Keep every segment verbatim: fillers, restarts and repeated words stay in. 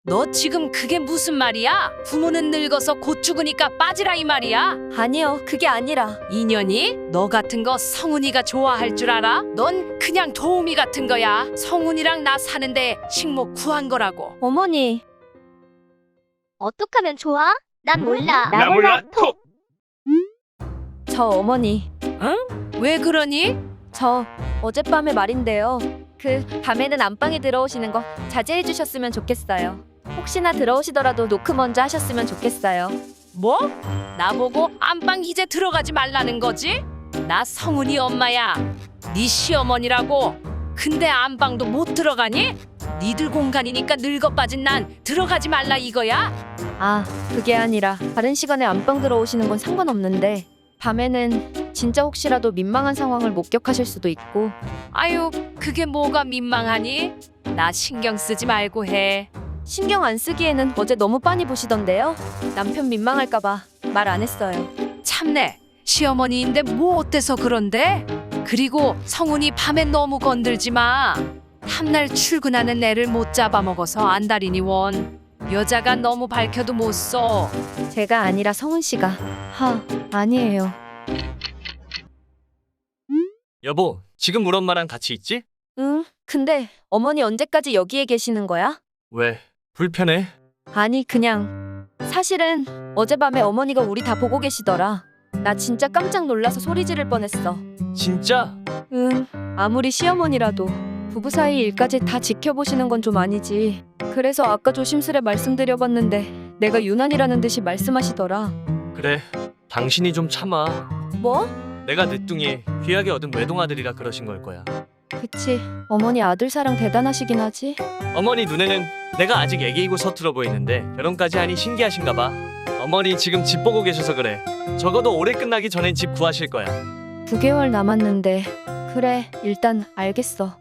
너 지금 그게 무슨 말이야? 부모는 늙어서 곧 죽으니까 빠지라 이 말이야? 아니요, 그게 아니라. 인연이? 너 같은 거 성훈이가 좋아할 줄 알아? 넌 그냥 도우미 같은 거야. 성훈이랑 나 사는데 식목 구한 거라고. 어머니, 어떡하면 좋아? 난 몰라. 나 몰라 톡. 저 어머니, 왜 그러니? 저 어젯밤에 말인데요. 그 밤에는 안방에 들어오시는 거 자제해 주셨으면 좋겠어요. 혹시나 들어오시더라도 노크 먼저 하셨으면 좋겠어요. 뭐? 나보고 안방 이제 들어가지 말라는 거지? 나 성훈이 엄마야. 네 시어머니라고. 근데 안방도 못 들어가니? 니들 공간이니까 늙어 빠진 난 들어가지 말라 이거야? 아, 그게 아니라 다른 시간에 안방 들어오시는 건 상관없는데 밤에는 진짜 혹시라도 민망한 상황을 목격하실 수도 있고. 아유, 그게 뭐가 민망하니? 나 신경 쓰지 말고 해. 신경 안 쓰기에는 어제 너무 빤히 보시던데요. 남편 민망할까봐 말 안 했어요. 참내, 시어머니인데 뭐 어때서 그런데? 그리고 성훈이 밤엔 너무 건들지 마. 탐날 출근하는 애를 못 잡아먹어서 안달이니 원. 여자가 너무 밝혀도 못 써. 제가 아니라 성훈 씨가. 하, 아니에요. 여보, 지금 우리 엄마랑 같이 있지? 응, 근데 어머니 언제까지 여기에 계시는 거야? 왜? 불편해? 아니, 그냥 사실은 어젯밤에 어머니가 우리 다 보고 계시더라. 나 진짜 깜짝 놀라서 소리 지를 뻔했어. 진짜? 응, 아무리 시어머니라도 부부 사이 일까지 다 지켜보시는 건 좀 아니지. 그래서 아까 조심스레 말씀드려봤는데 내가 유난이라는 듯이 말씀하시더라. 그래, 당신이 좀 참아. 뭐? 내가 늦둥이 귀하게 얻은 외동아들이라 그러신 걸 거야. 그치, 어머니 아들 사랑 대단하시긴 하지. 어머니 눈에는 내가 아직 애기이고 서툴어 보이는데 결혼까지 하니 신기하신가 봐. 어머니 지금 집 보고 계셔서 그래. 적어도 올해 끝나기 전엔 집 구하실 거야. 구 개월 남았는데. 그래, 일단 알겠어.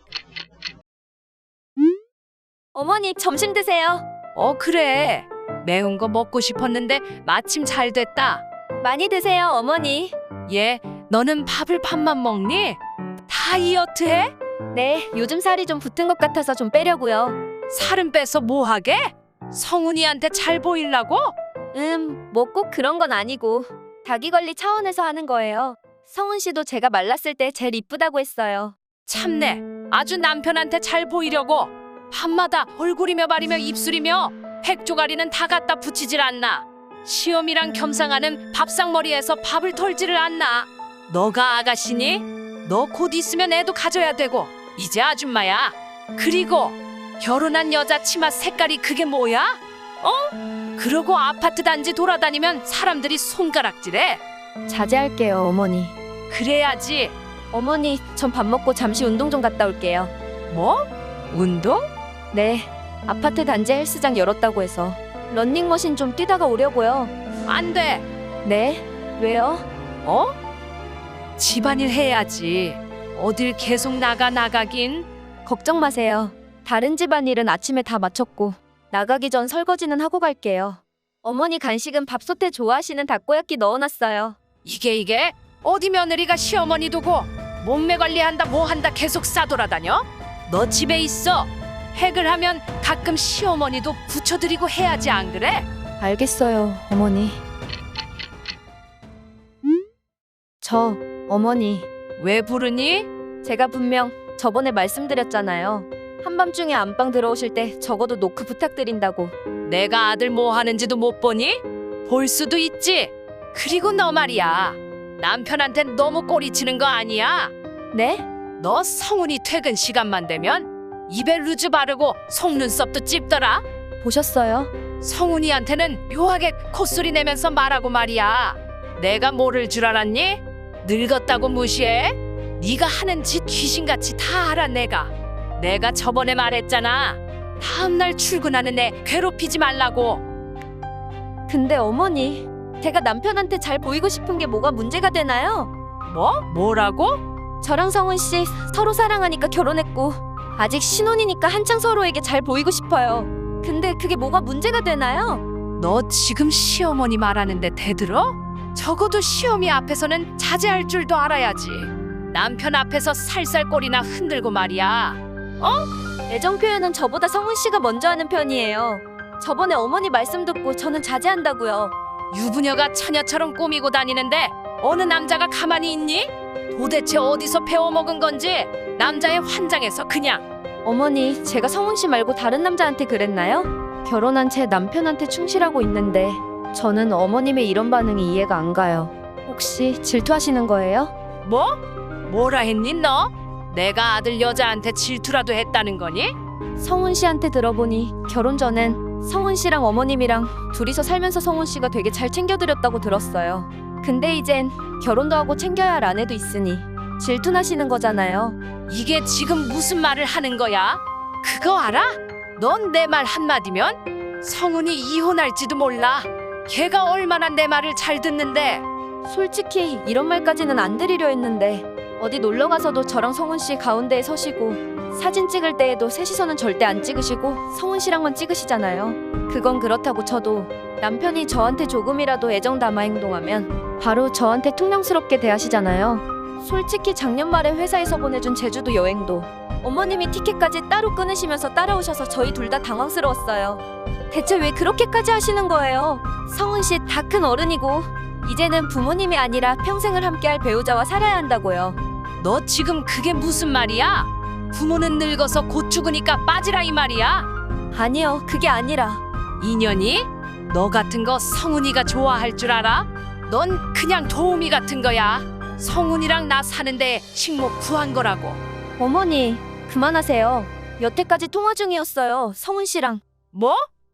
어머니, 점심 드세요. 어, 그래. 매운 거 먹고 싶었는데 마침 잘 됐다. 많이 드세요, 어머니. 얘, 너는 밥을 밥만 먹니? 다이어트 해? 네, 요즘 살이 좀 붙은 것 같아서 좀 빼려고요. 살은 빼서 뭐 하게? 성훈이한테 잘 보이려고? 음, 뭐 꼭 그런 건 아니고 자기 관리 차원에서 하는 거예요. 성훈 씨도 제가 말랐을 때 제일 이쁘다고 했어요. 참내, 아주 남편한테 잘 보이려고 밤마다 얼굴이며 발이며 입술이며 백조가리는 다 갖다 붙이질 않나. 시어미랑 겸상하는 밥상머리에서 밥을 털지를 않나. 너가 아가씨니? 너 곧 있으면 애도 가져야 되고 이제 아줌마야. 그리고 결혼한 여자 치마 색깔이 그게 뭐야? 어? 그러고 아파트 단지 돌아다니면 사람들이 손가락질해. 자제할게요, 어머니. 그래야지. 어머니, 전 밥 먹고 잠시 운동 좀 갔다 올게요. 뭐? 운동? 네, 아파트 단지 헬스장 열었다고 해서 런닝머신 좀 뛰다가 오려고요. 안 돼. 네? 왜요? 어? 집안일 해야지. 어딜 계속 나가 나가긴. 걱정 마세요. 다른 집안일은 아침에 다 마쳤고 나가기 전 설거지는 하고 갈게요. 어머니 간식은 밥솥에 좋아하시는 닭꼬야끼 넣어놨어요. 이게 이게 어디 며느리가 시어머니 두고 몸매 관리한다 뭐 한다 계속 싸돌아다녀? 너 집에 있어. 핵을 하면 가끔 시어머니도 붙여드리고 해야지 안 그래? 알겠어요, 어머니. 저, 어머니, 왜 부르니? 제가 분명 저번에 말씀드렸잖아요. 한밤중에 안방 들어오실 때 적어도 노크 부탁드린다고. 내가 아들 뭐 하는지도 못 보니? 볼 수도 있지. 그리고 너 말이야. 남편한텐 너무 꼬리치는 거 아니야? 네? 너 성훈이 퇴근 시간만 되면 입에 루즈 바르고 속눈썹도 찝더라. 보셨어요? 성훈이한테는 묘하게 콧소리 내면서 말하고 말이야. 내가 모를 줄 알았니? 늙었다고 무시해? 네가 하는 짓 귀신같이 다 알아 내가. 내가 저번에 말했잖아. 다음날 출근하는 애 괴롭히지 말라고. 근데 어머니, 제가 남편한테 잘 보이고 싶은 게 뭐가 문제가 되나요? 뭐? 뭐라고? 저랑 성훈 씨 서로 사랑하니까 결혼했고 아직 신혼이니까 한창 서로에게 잘 보이고 싶어요. 근데 그게 뭐가 문제가 되나요? 너 지금 시어머니 말하는데 대들어? 적어도 시어미 앞에서는 자제할 줄도 알아야지. 남편 앞에서 살살 꼬리나 흔들고 말이야. 애정 표현은 저보다 성훈 씨가 먼저 하는 편이에요. 저번에 어머니 말씀 듣고 저는 자제한다고요. 유부녀가 처녀처럼 꾸미고 다니는데 어느 남자가 가만히 있니? 도대체 어디서 배워먹은 건지 남자의 환장해서 그냥. 어머니, 제가 성훈 씨 말고 다른 남자한테 그랬나요? 결혼한 제 남편한테 충실하고 있는데 저는 어머님의 이런 반응이 이해가 안 가요. 혹시 질투하시는 거예요? 뭐? 뭐라 했니 너? 내가 아들 여자한테 질투라도 했다는 거니? 성훈 씨한테 들어보니 결혼 전엔 성훈 씨랑 어머님이랑 둘이서 살면서 성훈 씨가 되게 잘 챙겨드렸다고 들었어요. 근데 이젠 결혼도 하고 챙겨야 할 아내도 있으니 질투나시는 거잖아요. 이게 지금 무슨 말을 하는 거야? 그거 알아? 넌 내 말 한마디면 성훈이 이혼할지도 몰라. 걔가 얼마나 내 말을 잘 듣는데. 솔직히 이런 말까지는 안 드리려 했는데 어디 놀러 가서도 저랑 성훈 씨 가운데에 서시고 사진 찍을 때에도 셋이서는 절대 안 찍으시고 성훈 씨랑만 찍으시잖아요. 그건 그렇다고 쳐도 남편이 저한테 조금이라도 애정 담아 행동하면 바로 저한테 퉁명스럽게 대하시잖아요. 솔직히 작년 말에 회사에서 보내준 제주도 여행도 어머님이 티켓까지 따로 끊으시면서 따라오셔서 저희 둘 다 당황스러웠어요. 대체 왜 그렇게까지 하시는 거예요? 성훈 씨 다 큰 어른이고 이제는 부모님이 아니라 평생을 함께할 배우자와 살아야 한다고요. 너 지금 그게 무슨 말이야? 부모는 늙어서 곧 죽으니까 빠지라 이 말이야? 아니요, 그게 아니라 인연이? 너 같은 거 성훈이가 좋아할 줄 알아? 넌 그냥 도우미 같은 거야. 성훈이랑 나 사는데 식목 구한 거라고. 어머니, 그만하세요. 여태까지 통화 중이었어요, 성훈 씨랑. 뭐?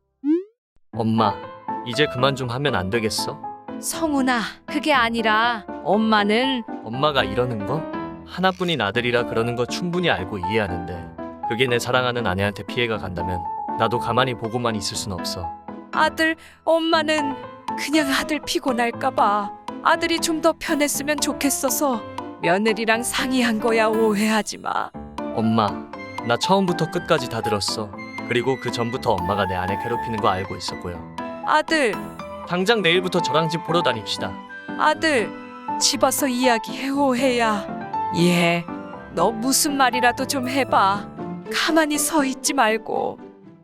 엄마, 이제 그만 좀 하면 안 되겠어? 성훈아, 그게 아니라 엄마는 엄마가 이러는 거? 하나뿐인 아들이라 그러는 거 충분히 알고 이해하는데 그게 내 사랑하는 아내한테 피해가 간다면 나도 가만히 보고만 있을 순 없어. 아들, 엄마는 그냥 아들 피곤할까 봐 아들이 좀 더 편했으면 좋겠어서 며느리랑 상의한 거야. 오해하지 마. 엄마, 나 처음부터 끝까지 다 들었어. 그리고 그 전부터 엄마가 내 아내 괴롭히는 거 알고 있었고요. 아들, 당장 내일부터 저랑 집 보러 다닙시다. 아들, 집 와서 이야기해. 오해야. 예, 너 무슨 말이라도 좀 해봐. 가만히 서 있지 말고.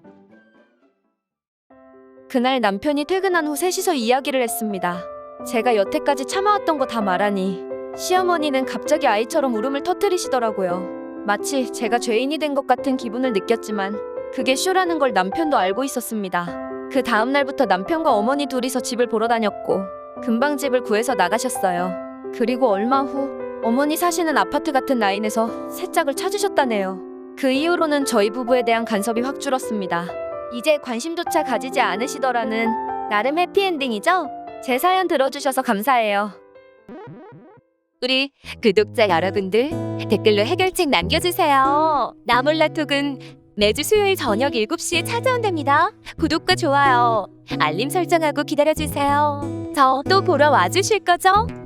그날 남편이 퇴근한 후 셋이서 이야기를 했습니다. 제가 여태까지 참아왔던 거 다 말하니 시어머니는 갑자기 아이처럼 울음을 터뜨리시더라고요. 마치 제가 죄인이 된 것 같은 기분을 느꼈지만 그게 쇼라는 걸 남편도 알고 있었습니다. 그 다음 날부터 남편과 어머니 둘이서 집을 보러 다녔고 금방 집을 구해서 나가셨어요. 그리고 얼마 후 어머니 사시는 아파트 같은 라인에서 새 짝을 찾으셨다네요. 그 이후로는 저희 부부에 대한 간섭이 확 줄었습니다. 이제 관심조차 가지지 않으시더라는 나름 해피엔딩이죠? 제 사연 들어주셔서 감사해요. 우리 구독자 여러분들 댓글로 해결책 남겨주세요. 나몰라톡은 매주 수요일 저녁 일곱 시에 찾아온답니다. 구독과 좋아요, 알림 설정하고 기다려주세요. 저 또 보러 와주실 거죠?